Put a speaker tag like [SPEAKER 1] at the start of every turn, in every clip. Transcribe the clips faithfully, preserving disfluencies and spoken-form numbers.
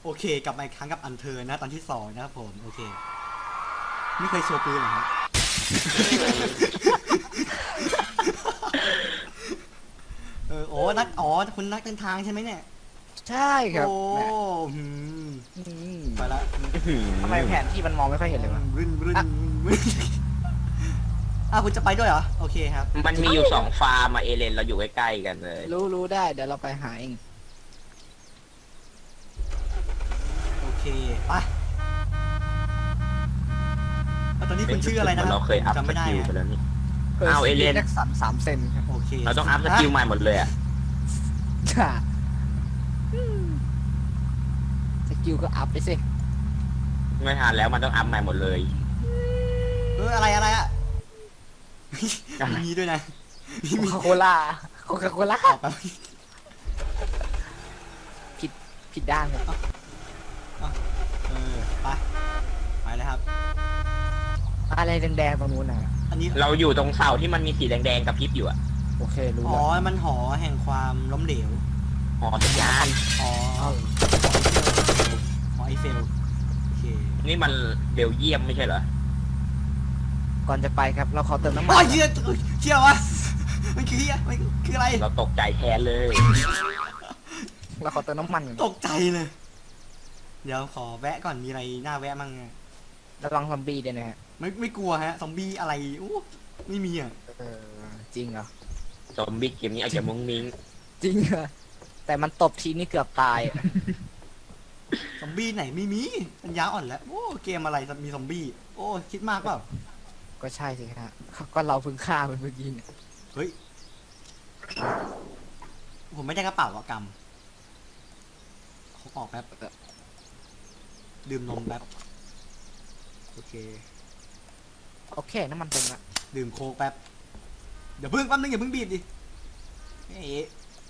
[SPEAKER 1] โอเคกลับมาอีกครั้งกับอันเธอนะตอนที่สองนะครับผมโอเคไม่เคยโชว์ปืนเหรอครับเออโอ้นักอ๋อคุณนักเดินทางใช่ไหมเนี่ย
[SPEAKER 2] ใช่ครับ
[SPEAKER 1] โอ้
[SPEAKER 2] แหม
[SPEAKER 1] หืม
[SPEAKER 2] อืม
[SPEAKER 1] ไปละ
[SPEAKER 2] ทำไมแผนที่มันมองไม่ค่อยเห็นเลยวะ
[SPEAKER 1] รึนรึนรึนอ้าวคุณจะไปด้วยเหรอโอเคครับ
[SPEAKER 3] มันมีอยู่สองฟาร์มอะเอเลนเราอยู่ใกล้ๆกันเลย
[SPEAKER 2] รู้รู้ได้เดี๋ยวเราไปหาเอง
[SPEAKER 1] โอเคไปแล้วตอนนี้คุณชื่ออะไรนะ
[SPEAKER 3] เราเคยอัพ
[SPEAKER 1] จำ
[SPEAKER 3] ส
[SPEAKER 1] ไม่ได้
[SPEAKER 3] กิล
[SPEAKER 1] ฮะ
[SPEAKER 3] ไปแล้วนี่
[SPEAKER 2] เออ
[SPEAKER 3] เอาเอเลี่ยน
[SPEAKER 2] แจ็คสันสามเซนครับ
[SPEAKER 1] โอเค
[SPEAKER 3] เราต้องอัพสกิลใหม่หมดเลยอะ
[SPEAKER 2] ค่ะอืมสกิลก็อัพไปสิ
[SPEAKER 3] ไม่ทันแล้วมันต้องอัพใหม่หมดเลย
[SPEAKER 1] เอออะไรอะไรอ่ะ
[SPEAKER 3] อะไร
[SPEAKER 1] มีด้วยนะ
[SPEAKER 2] โคคาโคล่าโคคาโคล่า
[SPEAKER 1] ออกไป
[SPEAKER 2] ผิดผิดด้านครับ
[SPEAKER 1] เออไปไปเลยครับ
[SPEAKER 2] อะไรแดงๆตรงนู้นนะ
[SPEAKER 1] อันนี้
[SPEAKER 3] เราอยู่ตรงเสาที่มันมีสีแดงๆกับพริบอยู่อะ
[SPEAKER 2] โอเครู้
[SPEAKER 1] อ๋อ
[SPEAKER 2] แล้ว
[SPEAKER 1] มันหอแห่งความล้มเหลว
[SPEAKER 3] หอสัญญาณ
[SPEAKER 1] อ๋อหอไอเฟลโอเค
[SPEAKER 3] นี่มันเบลเยียมไม่ใช่เหรอ
[SPEAKER 2] ก่อนจะไปครับ เราขอเติมน้ำมั
[SPEAKER 1] โอ้
[SPEAKER 2] น
[SPEAKER 1] ยเชี่ยเชี่ยวะมันคือเหี้ยมันคืออะไร
[SPEAKER 3] เราตกใจแทนเลย
[SPEAKER 2] เราขอเติมน้ำมันก่อน
[SPEAKER 1] ตกใจเลย เดี๋ยวขอแวะก่อนมีอะไรน่าแวะมั่งอะ
[SPEAKER 2] ระวังซอมบี้ด้วยนะฮะ
[SPEAKER 1] ไม่ไม่กลัวฮะซอมบี้อะไรอู้ไม่มีอ่ะ
[SPEAKER 2] เออจริงเหรอ
[SPEAKER 3] ซอมบี้เกมนี้อาจจะมุ้งมิ้ง
[SPEAKER 2] จริงเหรอแต่มันตบทีนี่เกือบตายอะ
[SPEAKER 1] ซอมบี้ไหนไม่มีปัญญาอ่อนแล้วโอ้เกมอะไรมีซอมบี้โอ้คิดมากเปล่า
[SPEAKER 2] ก็ใช่สิฮะก็เราเพิ่งฆ่ามันเมื่อกี้เนี่ย
[SPEAKER 1] เฮ้ยผมไม่ได้กระเป๋าอะกรรมเขาออกแป๊บดื่มนมแป๊บโอเค
[SPEAKER 2] โอเคน้ำมันเต็มละ
[SPEAKER 1] ดื่มโค้กแป๊บเดี๋ยวเพิ่งแป๊บนึงอย่าเพิ่งบีบดิเอ๊ะ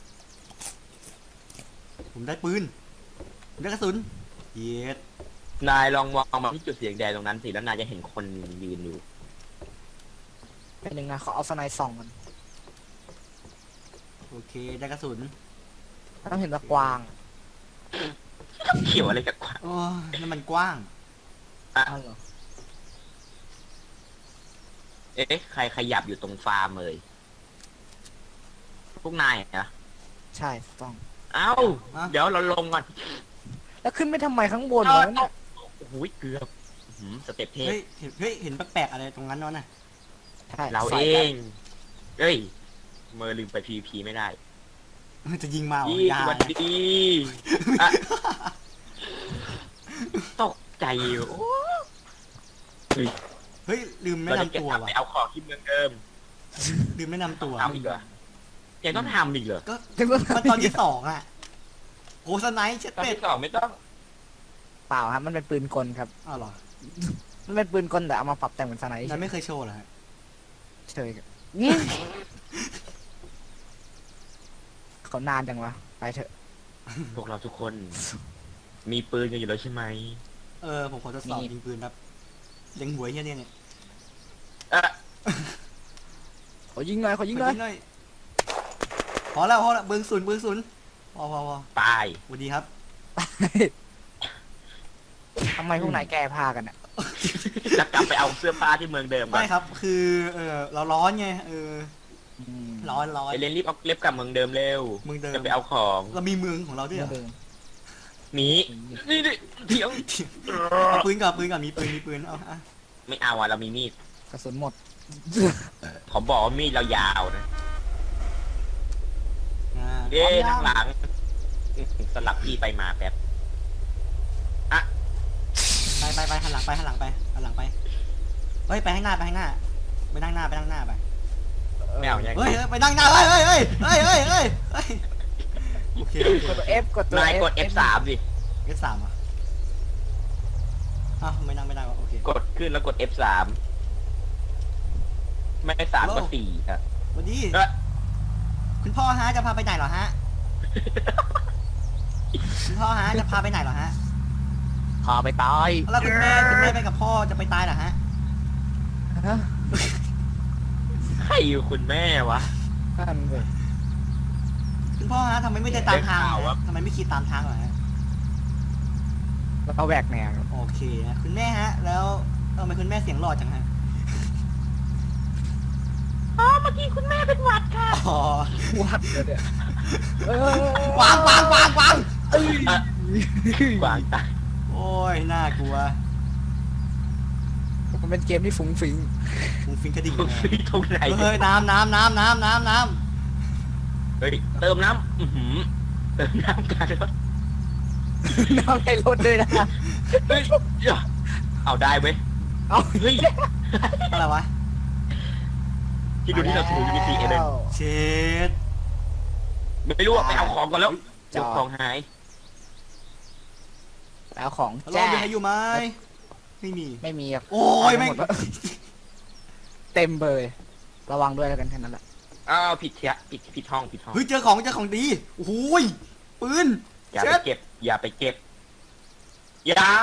[SPEAKER 1] ผมได้ปืนผมได้กระสุนเย็ด
[SPEAKER 3] นายลองมองมาที่จุดสีแดงตรงนั้นสิแล้วนายจะเห็นคนยืนอยู่
[SPEAKER 2] เป็นหนึ่งนะเขาเอาสไนด์ส่องมัน
[SPEAKER 1] โอเคได้กระสุน
[SPEAKER 2] ต้องเห็นตะกวาง
[SPEAKER 3] เขียวอะไรกับกวาง
[SPEAKER 1] โอ้ยนั่นมันกว้าง
[SPEAKER 3] อ่ะ
[SPEAKER 2] อ้าวเหรอ
[SPEAKER 3] เอ๊ะใครขยับอยู่ตรงฟาร์มเลยพวกนายนะ
[SPEAKER 2] ใช่ต้อง
[SPEAKER 3] เอ้า
[SPEAKER 1] อ่ะ
[SPEAKER 3] เดี๋ยวเราลงก่อน
[SPEAKER 2] แล้วขึ้นไปทำไมข้างบน
[SPEAKER 3] เอา
[SPEAKER 2] วะเนี่ย
[SPEAKER 3] โอ้โหเกือบอื้อหือสเต็ปเทพ
[SPEAKER 1] เฮ้ยเห็นเฮ้ยเห็นแปลกๆอะไรตรงนั้นวะน่ะ
[SPEAKER 2] ใช่
[SPEAKER 3] เรา
[SPEAKER 2] ใส่
[SPEAKER 3] เอ
[SPEAKER 2] กัน
[SPEAKER 3] ง เอ้ย เมอร์ลืมไป พี วี พี ไม่ได้
[SPEAKER 1] จะยิงมาเหรอ
[SPEAKER 3] ยี่
[SPEAKER 1] อยา
[SPEAKER 3] สวัสดีอ่ะตกใจโอ้ย
[SPEAKER 1] เฮ้ยลืมแนะ
[SPEAKER 3] เราจะ
[SPEAKER 1] นำ
[SPEAKER 3] เก็บ
[SPEAKER 1] ตัว
[SPEAKER 3] กลับไป
[SPEAKER 1] ว่ะ
[SPEAKER 3] เอาของที่เมืองเดิม
[SPEAKER 1] ลืมแนะนำตัว
[SPEAKER 3] ทำอีกเหรอยังต้องทำอีกเหรอ
[SPEAKER 1] ก็
[SPEAKER 2] ถึงว่า
[SPEAKER 1] มันตอนที่สองอ่ะโอ้สไนท์เช็ด
[SPEAKER 3] ตอน
[SPEAKER 1] เป็ด
[SPEAKER 3] ที่สองไม่ต้อง
[SPEAKER 2] เปล่าครับมันเป็นปืนกลครับ
[SPEAKER 1] อ้าวเหรอ
[SPEAKER 2] มันเป็นปืนกลแต่เอามาปรับแต่งเป็นสไนด์
[SPEAKER 1] นั้นไม่เคยโชว์เหรอฮะ
[SPEAKER 2] เฉยครับเขานานจังวะไปเถอะ
[SPEAKER 3] พวกเราทุกคน มีปืนกันอยู่แล้วใช่ไหม
[SPEAKER 1] เออผมขอทดสอบยิงปืนแบบเล็งหัวเฮียเนี่ยเนี่ย
[SPEAKER 3] เอะ
[SPEAKER 2] ขอยิงหน่อยขอยิงหน่อย
[SPEAKER 1] ขอยิงพอแล้วพอแล้วเบิ้งศูนย์เบิ้งศูนย์พอพอพอ
[SPEAKER 3] ตาย
[SPEAKER 1] สวัสดีครับ
[SPEAKER 2] ทำไมพวกนายแก้ผ้ากันอ่ะ
[SPEAKER 3] จะกลับไปเอาเสื้อผ้าที่เมืองเดิมก่อ
[SPEAKER 1] ไม่
[SPEAKER 3] น
[SPEAKER 1] ครับคือเออเราร้อนไงเออ
[SPEAKER 2] อืม
[SPEAKER 1] ร้อนร้อน
[SPEAKER 3] เอเลนรีบเอาเล็บกลับเมืองเดิมเร็ว
[SPEAKER 1] เมืองเดิม
[SPEAKER 3] จะไปเอาของ
[SPEAKER 1] เรามีเมืองของเราด้วยเหรอ
[SPEAKER 2] เดิม
[SPEAKER 3] หนีนี่ดิเถียง
[SPEAKER 1] เอาปืนก่อนปืนก่อนมีปืนมีปืนเอาอ่ะ
[SPEAKER 3] ไม่เอาอ่ะเรามีมีด
[SPEAKER 2] กระสุนหมด
[SPEAKER 3] ผมบอกว่ามีดเรายาวนะ
[SPEAKER 1] อ่า
[SPEAKER 3] เย้ทางหลังสลับที่ไปมาแป๊บ
[SPEAKER 1] ไปไปไปหันหลังไปหันหลังไปหันหลังไปเฮ้ยไปข้างหน้าไปข้างหน้าไปนั่งหน้าไปนั่งหน้าไป
[SPEAKER 3] ไม่เอาอย่าง
[SPEAKER 1] เฮ้ยเฮ้ยไปนั่งหน้าเฮ้ยเฮ้ยเฮ้ยเฮ้ยเฮ้ยเฮ้ยเฮ้ยโอเคโอเค
[SPEAKER 2] กดตัว F กดตัว
[SPEAKER 3] นาย
[SPEAKER 2] F
[SPEAKER 3] กด เอฟ สาม สิ
[SPEAKER 1] เอฟสามอ่ะอ้าวไม่นั่งไม่ได้วะโอเค
[SPEAKER 3] กดขึ้นแล้วกด เอฟ สาม ไม่สามก็สี่ครับ
[SPEAKER 1] สวัสดี
[SPEAKER 3] เอ้ย
[SPEAKER 1] คุณพ่อฮะจะพาไปไหนเหรอฮะคุณพ่อฮะจะพาไปไหนเหรอฮะ
[SPEAKER 2] พาไปตาย
[SPEAKER 1] แล้วคุณแม่คุณแม่ไปกับพ่อจะไปตายเหรอฮะ
[SPEAKER 2] ฮะ
[SPEAKER 3] ใครอยู่คุณแม่วะ
[SPEAKER 2] นั่นเลย
[SPEAKER 1] คุณพ่อฮะทำไมไม่เดินตามทาง
[SPEAKER 3] ได้ข่าว
[SPEAKER 1] เหรอ
[SPEAKER 3] ว่า
[SPEAKER 1] ฮะทำไมไม่ขี่ตามทางเหรอฮะ
[SPEAKER 2] แล้วก็แหวกแนว
[SPEAKER 1] โอเคนะคุณแม่ฮะ แล้วทำไมคุณแม่เสียงหล่อจังฮะ
[SPEAKER 3] อ๋อเมื่อกี้คุณแม่เป็นหวัดค่ะ
[SPEAKER 1] อ๋อ
[SPEAKER 2] วัดเลยเนี่ยเออ
[SPEAKER 1] วางวางวางวาง
[SPEAKER 2] เอ้ย
[SPEAKER 3] กวางตาย
[SPEAKER 1] โอ้ยน่ากลัว
[SPEAKER 2] มันเป็นเกมที่ฟุ้งฟิ้ง
[SPEAKER 1] ฟูฟิงกระดิ่งเลย
[SPEAKER 3] ฟีตรงไหน
[SPEAKER 1] เฮ้ยน้ำน้ำน้ำน้ำน้ำน้
[SPEAKER 3] เฮ้ยเติมน้ำอื้อหือเติมน้ำกันแล้ว
[SPEAKER 2] น้ำในรถด้วยนะ
[SPEAKER 3] เฮ้ยเอาได้เว้ย
[SPEAKER 2] เอา
[SPEAKER 3] เฮ้ย
[SPEAKER 1] ำอะไรวะ
[SPEAKER 3] ที่ดูที่เราถือมีสีเอเดน
[SPEAKER 1] เช็ด
[SPEAKER 3] ไม่รู้ว่าไปเอาของก่อนแล้ว
[SPEAKER 2] จ
[SPEAKER 3] เจ้า
[SPEAKER 2] อ
[SPEAKER 3] ของหาย
[SPEAKER 2] แล้วของ
[SPEAKER 1] ฮัลโหล
[SPEAKER 2] แจ้
[SPEAKER 1] มีใครอยู่ไหมไม่มี
[SPEAKER 2] ไม่มีะ
[SPEAKER 1] โอ้ย
[SPEAKER 2] เอา
[SPEAKER 1] แม่ง
[SPEAKER 2] หดแล้วเต็มเบยระวังด้วยแล้วกันแค่นั้นแหละ
[SPEAKER 3] อ้าวผิดเทียผิดผิดห้องผิดห้อง
[SPEAKER 1] เฮ้ยเจอของเจอของดีโอ้โหยปืน
[SPEAKER 3] อย่า
[SPEAKER 1] เช็
[SPEAKER 3] ไป
[SPEAKER 1] ด
[SPEAKER 3] เก็บ อย่าไปเก็บ อย่า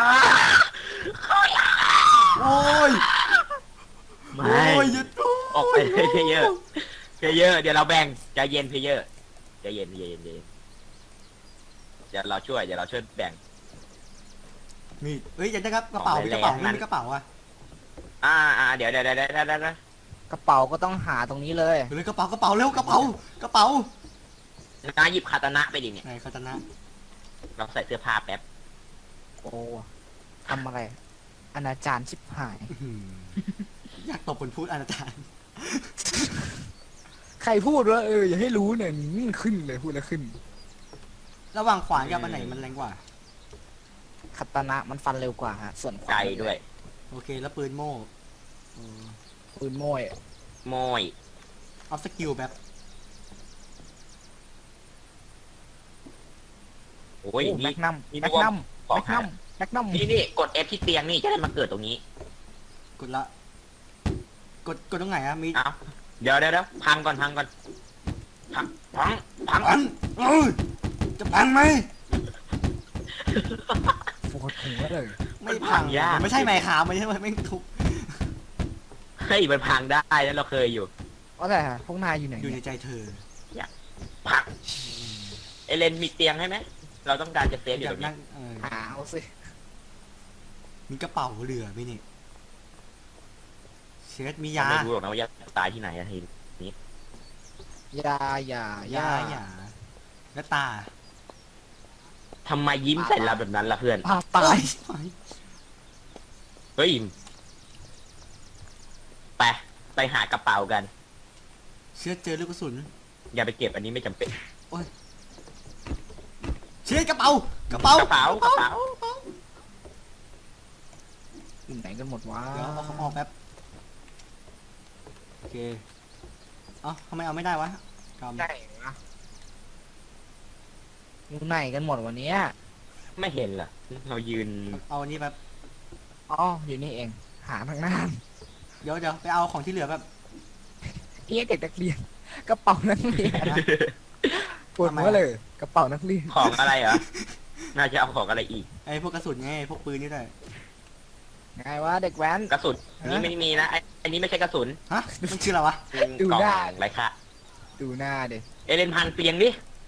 [SPEAKER 1] โอ้ย
[SPEAKER 3] ไม่
[SPEAKER 1] โอ้ยหยุด
[SPEAKER 3] ออกไปเลยเพเยอร์เพเยอร์เดี๋ยวเราแบ่งใจเย็นเพเยอร์ใจเย็นใจเย็นใจเย็นเดี๋ยวเราช่วยเดี๋ยวเราช่วยแบ่ง
[SPEAKER 1] มีเฮ้ยอยากได้ครับกระเป๋ามีกระเป๋าไม่มีกระเป๋าอ่ะ
[SPEAKER 3] อ่าอ่าเดี๋ยวเดี๋ยวเดี๋ยวเดี๋ยวเดี๋ยวเดี๋ยว
[SPEAKER 2] กระเป๋าก็ต้องหาตรงนี้เลย
[SPEAKER 1] เฮ้ยกระเป๋ากระเป๋าเร็วกระเป๋ากระเป๋า
[SPEAKER 3] นาหยิบคาตานะไปดิเนี่ย
[SPEAKER 1] ไหนคาตานะ
[SPEAKER 3] เราใส่เสื้อผ้าแป๊บ
[SPEAKER 2] โอ้ทำอะไรอนาจารชิบหาย
[SPEAKER 1] อื้อหืออยากตบคนพูดอนาจารย์
[SPEAKER 2] ใครพูดว่าเอออย่าให้รู้เนี่ยนี่ขึ้นเลยพูดแล้วขึ้น
[SPEAKER 1] ระหว่างขวานกับอันไหนมันแรงกว่า
[SPEAKER 2] คัตตานะมันฟันเร็วกว่าฮะส่วนขวา
[SPEAKER 3] ไกลด้วย
[SPEAKER 1] โอเคแล้วปืนโม่เออ
[SPEAKER 2] ปืนโม่ย
[SPEAKER 3] โมย
[SPEAKER 1] เอาสกิลแบบ
[SPEAKER 3] โอ้ย
[SPEAKER 2] โอ้แม็
[SPEAKER 3] นี่
[SPEAKER 2] กนัม
[SPEAKER 3] นี่
[SPEAKER 2] แม็ก
[SPEAKER 3] ว่า
[SPEAKER 2] นัม
[SPEAKER 3] ของ
[SPEAKER 2] แม็ก
[SPEAKER 3] หา
[SPEAKER 2] นัมแม็กนัม
[SPEAKER 3] นี่นี่กด F ที่เตียงนี่จะได้มาเกิดตรงนี้
[SPEAKER 1] กดละ กดกดตรงไหนอะมี
[SPEAKER 3] เอ้าเดี๋ยวเดี๋ยวเดี๋ยวพังก่อนพังก่อนพังพังพัง
[SPEAKER 1] อันเออจะพังไหม
[SPEAKER 2] ปวดหัวเลย
[SPEAKER 1] ไม่พังมันไม่ใช่ไม้ขาไม่ใช่ไม่งทุบ
[SPEAKER 3] เฮ้ยมันพังได้แล้วเราเคยอยู่
[SPEAKER 2] ว่าแต่พวกนายอยู่ไหน
[SPEAKER 1] อยู่ใน
[SPEAKER 2] เนี่ย
[SPEAKER 1] ใจเธอ
[SPEAKER 3] พังเอเลนมีเตียงให้ไหมเราต้องการจะเซฟอ
[SPEAKER 1] อยู่ ยา
[SPEAKER 3] ต
[SPEAKER 1] ก
[SPEAKER 3] รงนี้
[SPEAKER 1] นั่งเออ
[SPEAKER 2] หาเอาสิ
[SPEAKER 1] มีกระเป๋าเหลือไหมนี่เช็ดมี
[SPEAKER 3] เรา
[SPEAKER 1] ยา
[SPEAKER 3] ไม่รู้หรอกนะว่าจะตายที่ไหนอะที
[SPEAKER 2] ยาอย่าย
[SPEAKER 1] าหยาแล้วตา
[SPEAKER 3] ทำไมยิ้มใส่เราแบบนั้นล่ะเพื่อน
[SPEAKER 2] พาตาย
[SPEAKER 1] เอ้ย
[SPEAKER 3] เฮ้ยไปไปหากระเป๋ากัน
[SPEAKER 1] เช็ดเจอลูกกระสุน
[SPEAKER 3] อย่าไปเก็บอันนี้ไม่จำเป็น
[SPEAKER 1] เช็ดกระเป๋ากระเป๋าก
[SPEAKER 3] ระเป๋ากระเป๋า
[SPEAKER 2] อยู่ไหนกันหมดวะ
[SPEAKER 1] เดี๋ยวเอาของออกแป๊บโอเคเอ้าทำไมเอาไม่ได้วะกำ
[SPEAKER 2] ไหนวะอยู่ไหนกันหมดวันนี้
[SPEAKER 3] ไม่เห็นเหรอเรายืน
[SPEAKER 1] เอาอันนี้แบบ
[SPEAKER 2] อ๋ออยู่นี่เองหาทางหน้า
[SPEAKER 1] เดี๋ยวเดี๋ยวไปเอาของที่เหลือแบบ
[SPEAKER 2] เอ๊ะเด็กนักเรียนกระเป๋านักเรียนนะปวดหัวเลยกระเป๋านักเรียน
[SPEAKER 3] ของอะไรเหรอ น่าจะเอาของอะไรอีก
[SPEAKER 1] ไอ้พวกกระสุนไงพวกปืนนี่ด้วย
[SPEAKER 2] ไงวะเด็กแว้น
[SPEAKER 3] กระสุนนี่ไม่มีนะไอ้อันนี้ไม่ใช่กระสุน
[SPEAKER 1] ฮะมันคืออะไรวะ
[SPEAKER 3] เป็น
[SPEAKER 2] ดู
[SPEAKER 3] กล่อง
[SPEAKER 2] ได้
[SPEAKER 3] ไรค่ะ
[SPEAKER 2] ดูหน้าเด็
[SPEAKER 3] เอเลนพังเตียงดิ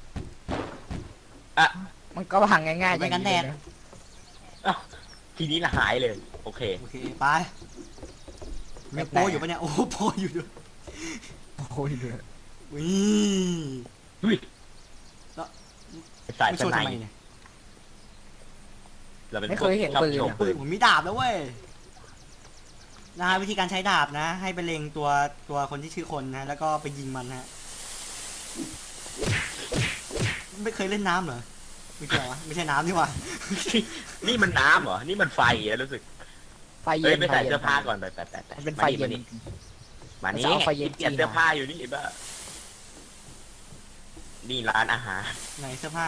[SPEAKER 2] มันก็พังง่ายๆ
[SPEAKER 1] ไม่กันแดด
[SPEAKER 2] อย่างะ
[SPEAKER 3] ทีนี้ละหายเลย โอเค
[SPEAKER 1] โอเคไปมีโปอยู่ปะเนี่ยโอ้โหโปอยู่ด้วย
[SPEAKER 2] โอ้ยเดือด
[SPEAKER 1] วิ
[SPEAKER 3] อุ้ย
[SPEAKER 1] แล้ว
[SPEAKER 3] สาย
[SPEAKER 1] ไม่
[SPEAKER 3] ส
[SPEAKER 1] โชว์
[SPEAKER 3] ไน
[SPEAKER 1] ทำไม
[SPEAKER 3] ป์
[SPEAKER 1] เนี่ย
[SPEAKER 3] เราเป็น
[SPEAKER 2] ไม่
[SPEAKER 3] พ
[SPEAKER 2] เคว
[SPEAKER 3] ก
[SPEAKER 2] ยเห็น
[SPEAKER 3] ชอบ
[SPEAKER 2] ปืน
[SPEAKER 3] โชว์
[SPEAKER 2] อะ
[SPEAKER 3] ปืน
[SPEAKER 1] ผมมีดาบแล้วเว้ยนะฮะวิธีการใช้ดาบนะ ให้ไปเล็งตัวตัวคนที่ชื่อคนนะ แล้วก็ไปยิงมันนะฮะไม่เคยเล่นน้ำเหรอไม่ใช่เหรอวะไม่ใช่น้ำนี่หว่า
[SPEAKER 3] นี่มันน้ำเหรอ นี่มันไฟอะรู้สึก
[SPEAKER 2] ไฟเย็
[SPEAKER 3] เฮ้ย
[SPEAKER 2] น
[SPEAKER 3] ไปใส่
[SPEAKER 2] ไฟย็น
[SPEAKER 3] เสื้อผ้าก่อนไปไปไปไป
[SPEAKER 2] มันเป็นไฟเย็น
[SPEAKER 3] มานี่
[SPEAKER 2] มันจะเอาไฟเย็น
[SPEAKER 3] เปลี่ยนเสื้อผ้าอยู่นี่บ้านี่ร้านอาหาร
[SPEAKER 1] ไหนเสื้อผ้า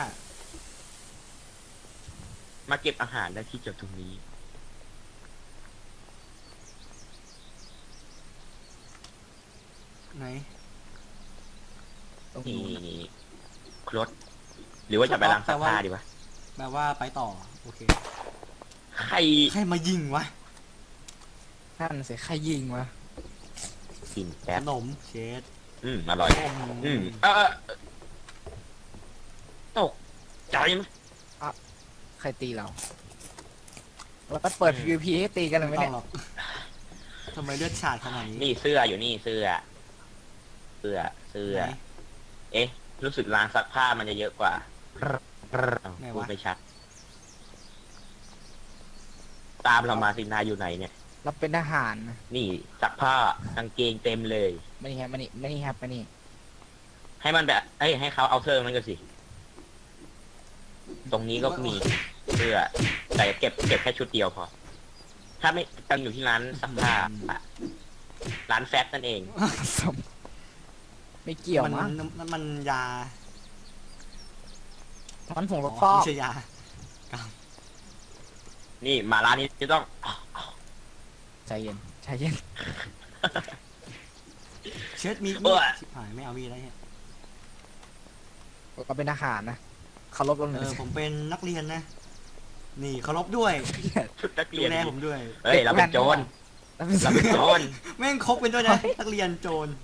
[SPEAKER 3] มาเก็บอาหารได้ที่จุดตรงนี้
[SPEAKER 1] ไหน
[SPEAKER 2] ตรง
[SPEAKER 3] นี่
[SPEAKER 2] นู้น
[SPEAKER 3] นี่รถหรือว่าจะไปล้างซักผ้าดีวะ
[SPEAKER 1] แปลว่าไปต่อโอเค
[SPEAKER 3] ใคร
[SPEAKER 1] ใครมายิงวะ
[SPEAKER 2] นั่นสิใครยิงวะ
[SPEAKER 3] กิน
[SPEAKER 1] ข
[SPEAKER 3] แป๊บ
[SPEAKER 1] นมเชด
[SPEAKER 3] อืมอร่อย อืมเออเออตกใจไหม
[SPEAKER 2] ใครตีเราแล้วก็เปิด PVP ให้ตีกันเลยไหม
[SPEAKER 1] ไม่ต้อ
[SPEAKER 2] เนี่
[SPEAKER 1] ง
[SPEAKER 2] ย
[SPEAKER 1] หรอกทำไมเลือดฉาดขนาดนี้
[SPEAKER 3] นี่เสื้ออยู่นี่เสื้อ เสื้อเสื้อ
[SPEAKER 1] ไหน
[SPEAKER 3] เอ๊ะ รู้สึกร้านซักผ้ามันจะเยอะกว่า
[SPEAKER 1] ไหนวะ
[SPEAKER 3] พูดไม่ชัด ตามเรามาสินาอยู่ไหนเนี่ย
[SPEAKER 2] เราเป็นทหารนะ
[SPEAKER 3] นี่ซักผ้ากางเกงเต็มเลย
[SPEAKER 2] มานี่ครับมานี่มานี่ครับมานี่
[SPEAKER 3] ให้มันแบบเอ้ยให้เขาเอาเสื้อมันก็สิ ตรงนี้ก็มีเสื้อ แต่เก็บเก็บแค่ชุดเดียวพอ ถ้าไม่ตั้งอยู่ที่ร้านซักผ้าอะร้านแฟตนั่นเอง
[SPEAKER 2] สมไม่เกี่ยว
[SPEAKER 1] มัน
[SPEAKER 2] มั้ง
[SPEAKER 1] มันมันยา
[SPEAKER 2] มันผงร
[SPEAKER 1] อ๋
[SPEAKER 2] ถ
[SPEAKER 1] อ
[SPEAKER 2] ฟอก
[SPEAKER 1] ไม่ใช่ยา
[SPEAKER 3] นี่มาร้านนี้จะต้อง
[SPEAKER 2] ใจเย็นใจเย็น
[SPEAKER 1] เชิดมีด
[SPEAKER 3] เออ
[SPEAKER 1] ชิบหายไม่เอามีดแล้วเนี่ย
[SPEAKER 2] เราเป็นทหารนะเคารพเราห
[SPEAKER 1] เอ
[SPEAKER 2] น่อย
[SPEAKER 1] อ
[SPEAKER 2] สิ
[SPEAKER 1] ผมเป็นนักเรียนนะ นี่เคารพด้วย
[SPEAKER 3] ชุดนัก
[SPEAKER 1] ดู
[SPEAKER 3] เรียน
[SPEAKER 1] แลผมด้วย
[SPEAKER 3] เฮ้ยเราเป็นโจร
[SPEAKER 2] แล้วเป็น
[SPEAKER 3] เราเป็นโจร
[SPEAKER 1] แม่งคบเป็นด้วยนะ นักเรียนโจร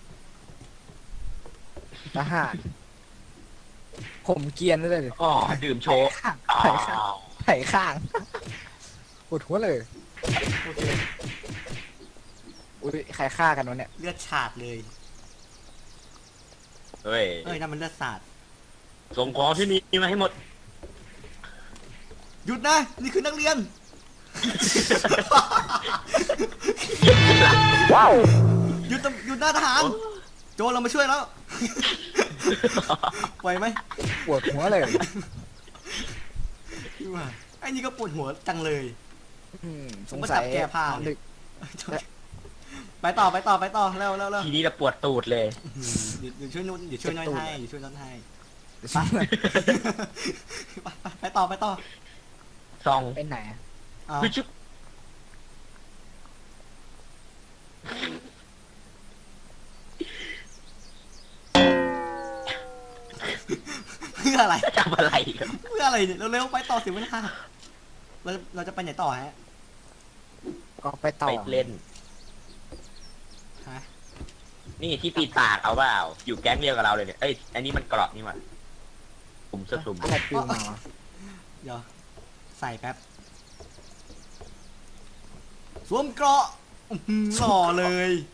[SPEAKER 2] ทหารผมเกรียนเลย
[SPEAKER 3] อ๋อดื่มโชว์
[SPEAKER 2] ข้าง
[SPEAKER 3] อ้า
[SPEAKER 2] ไถ่ข้าง
[SPEAKER 3] ว
[SPEAKER 2] ไถ่ข้างปวดหัวเลย
[SPEAKER 1] โอเค
[SPEAKER 2] อุ้ยใครฆ่ากันวะเนี่ย
[SPEAKER 1] เลือดฉาดเลย
[SPEAKER 3] เฮ้ย
[SPEAKER 1] เอ้ยนั่นมันเลือดสาด
[SPEAKER 3] ส่งของที่นี่มาให้หมด
[SPEAKER 1] หยุดนะ นี่คือนักเรียน
[SPEAKER 3] ว้าว
[SPEAKER 1] หยุดตำหยุดหน้าทหาร โจรเรามาช่วยแล้ว ไหวไหม
[SPEAKER 2] ปวดหัวเลย
[SPEAKER 1] ว่าไอ้นี่ก็ปวดหัวจังเลย
[SPEAKER 2] อืมส
[SPEAKER 1] ผม
[SPEAKER 2] ง
[SPEAKER 1] ก็
[SPEAKER 2] สั
[SPEAKER 1] จั
[SPEAKER 2] ย
[SPEAKER 1] บแก้ผ้า
[SPEAKER 2] นอนดึก
[SPEAKER 1] ไปต่อไปต่อไปต่อเร็วเร็วเร็ว
[SPEAKER 3] ทีนี้เราปวดตูดเลย
[SPEAKER 1] อืมเดี๋ยวเดี๋ยวช่วยนุ่นเดี๋ยวช่วยน้อยให้เดี๋ยวช่วยน้อยให้ ไป ไปไปไปต่อไปต่อ
[SPEAKER 3] ซอง
[SPEAKER 2] เป็นไหนอะ
[SPEAKER 1] เอา
[SPEAKER 3] คือชุบ
[SPEAKER 1] เพื่ออะไร
[SPEAKER 3] จะทำอะไรกัน
[SPEAKER 1] เพื่ออะไรเนี่ยเร็วๆไปต่อสิเวลาเราเราจะไปไหนต่อฮะ
[SPEAKER 2] ก็ไปต่อ
[SPEAKER 3] ไปเล่น
[SPEAKER 1] ฮะ
[SPEAKER 3] นี่ที่ปีนปากเอาเปล่า อยู่แก๊งเดียวกับเราเลยเนี่ย เอ้ย อันนี้มันเกราะนี่หว่าสุ่มสสุ่ม
[SPEAKER 2] อะไรปิวมาวะ
[SPEAKER 1] เดี๋ยวใส่แป๊บสวมเกราะอื้อหือหล่อเลย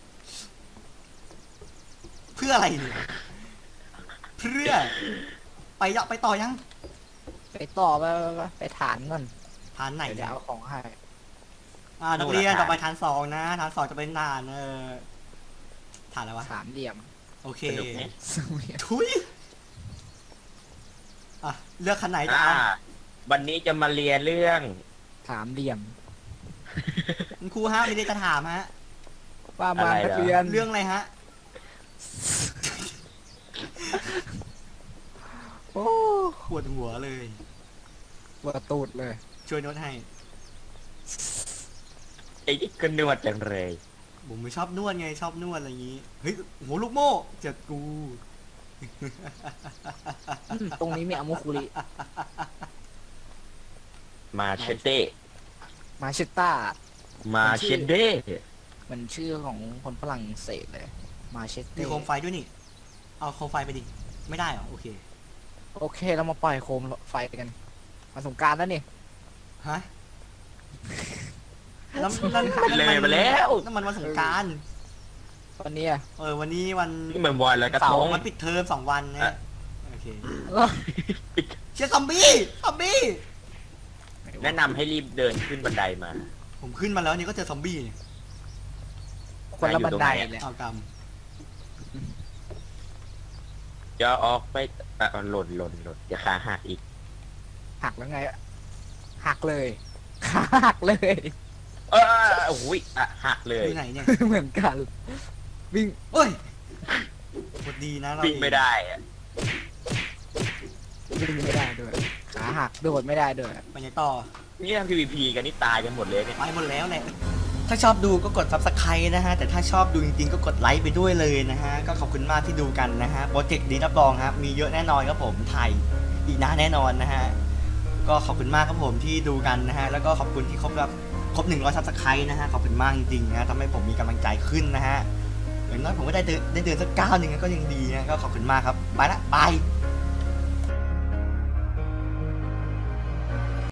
[SPEAKER 1] เพื่ออะไรเนี่ยเพื่อไปยะไปต่อยัง
[SPEAKER 2] ไปต่อไปไปไปไปฐานก่อน
[SPEAKER 1] ฐานไหน
[SPEAKER 2] เดี๋ยว
[SPEAKER 1] เนี่ย
[SPEAKER 2] เอาของให้
[SPEAKER 1] อ่านักเรียนต่อไปฐานสองนะฐานสองจะเป็นฐานเออฐานอะไรวะ
[SPEAKER 2] สามเหลี่ยม
[SPEAKER 1] โอเค
[SPEAKER 3] สนุกไหม
[SPEAKER 2] สามเหลี่ยม
[SPEAKER 1] ทุยอ่ะเลือกคันไหนจะ
[SPEAKER 3] อ่า
[SPEAKER 1] เอา
[SPEAKER 3] วันนี้จะมาเรียนเรื่อง
[SPEAKER 2] สามเหลี่ยม
[SPEAKER 1] คุณครูฮะมีอะไรจะถามฮะ
[SPEAKER 2] ว่ามานักเรียน
[SPEAKER 1] เรื่องอะไรฮะ
[SPEAKER 2] โอ้
[SPEAKER 1] ปวดหัวเลย
[SPEAKER 2] ปวดตูดเลย
[SPEAKER 1] ช่วยโน้ตให้
[SPEAKER 3] ไอ้นี่ก็นวดจังเลย
[SPEAKER 1] ผมไม่ชอบนวดไงชอบนวดอะไรอย่างงี้ เฮ้ยโหลูกโม่เจ็ดกู
[SPEAKER 2] อืมตรงนี้มีอามุคุริ
[SPEAKER 3] มาเชเต้
[SPEAKER 2] มาชิต้า
[SPEAKER 3] มาเชเด้
[SPEAKER 2] มันชื่อของคนฝรั่งเศสเลย มาเช
[SPEAKER 1] มี
[SPEAKER 2] เต้
[SPEAKER 1] โคมไฟด้วยนี่ เอาโคมไฟไปดิ ไม่ได้เหรอ โอเค
[SPEAKER 2] โอเคเรามาปล่อยโคมไฟกัน มาสงกรารแล้วนี่
[SPEAKER 1] ฮะนั่นนั่น
[SPEAKER 3] เลยมาแล้ว
[SPEAKER 1] นั่นมันวันสงกราร
[SPEAKER 2] วันนี้อะ
[SPEAKER 1] เออวันนี้วัน
[SPEAKER 3] นี่เหมือนวันแล้วกระทง
[SPEAKER 1] วันปิดเทอมสองวันนะ
[SPEAKER 3] อ่ะ
[SPEAKER 1] โอเค
[SPEAKER 2] แล้ว
[SPEAKER 1] เชียร์ซอมบี้ซอมบี้
[SPEAKER 3] แนะนำให้รีบเดินขึ้นบันไดมา
[SPEAKER 1] ผมขึ้นมาแล้วนี่ก็เจอซอมบี้เนี่ย
[SPEAKER 2] คนละบันได
[SPEAKER 3] อยู่ตรงไหนอะ
[SPEAKER 2] เลย
[SPEAKER 1] เอากรรม
[SPEAKER 3] จะออกไปอ่ะหล่นหล่นหล่นอย่าขาหักอีก
[SPEAKER 2] หักแล้วไงอะหักเลยขาหักเลย
[SPEAKER 3] เออโอ้ยอ่ะหักเลย
[SPEAKER 1] อยู่ไหนเนี่ย
[SPEAKER 2] เหมือนกัน วิ่ง
[SPEAKER 1] เอ้ยกดดีนะเรา
[SPEAKER 3] วิ่งไม่ได้อะ
[SPEAKER 2] วิ่งไม่ได้ด้วย ขาหักโดดไม่ได้ด้วย
[SPEAKER 1] ไปไหนต่อ
[SPEAKER 3] นี่ทำ พี วี พี กันนี่ตายกันหมดเลยเนี่ย
[SPEAKER 1] ไปหมดแล้วแหละ ถ้าชอบดูก็กด ซับสไครบ์ นะฮะ แต่ถ้าชอบดูจริงๆ ก็กดไลค์ไปด้วยเลยนะฮะ ก็ขอบคุณมากที่ดูกันนะฮะ โปรเจกต์นี้รับรองครับ มีเยอะแน่นอนครับผม ถ่ายอีกนะแน่นอนนะฮะ ก็ขอบคุณมากครับผมที่ดูกันนะฮะ แล้วก็ขอบคุณที่ครบแบบครบหนึ่งร้อยซับสไครบ์นะฮะ ขอบคุณมากจริงๆนะทำให้ผมมีกำลังใจขึ้นนะฮะ อย่างน้อยผมก็ได้เดินได้เดินสักก้าวหนึ่งก็ยังดีนะ ก็ขอบคุณมากครับ ไปละบาย
[SPEAKER 2] บ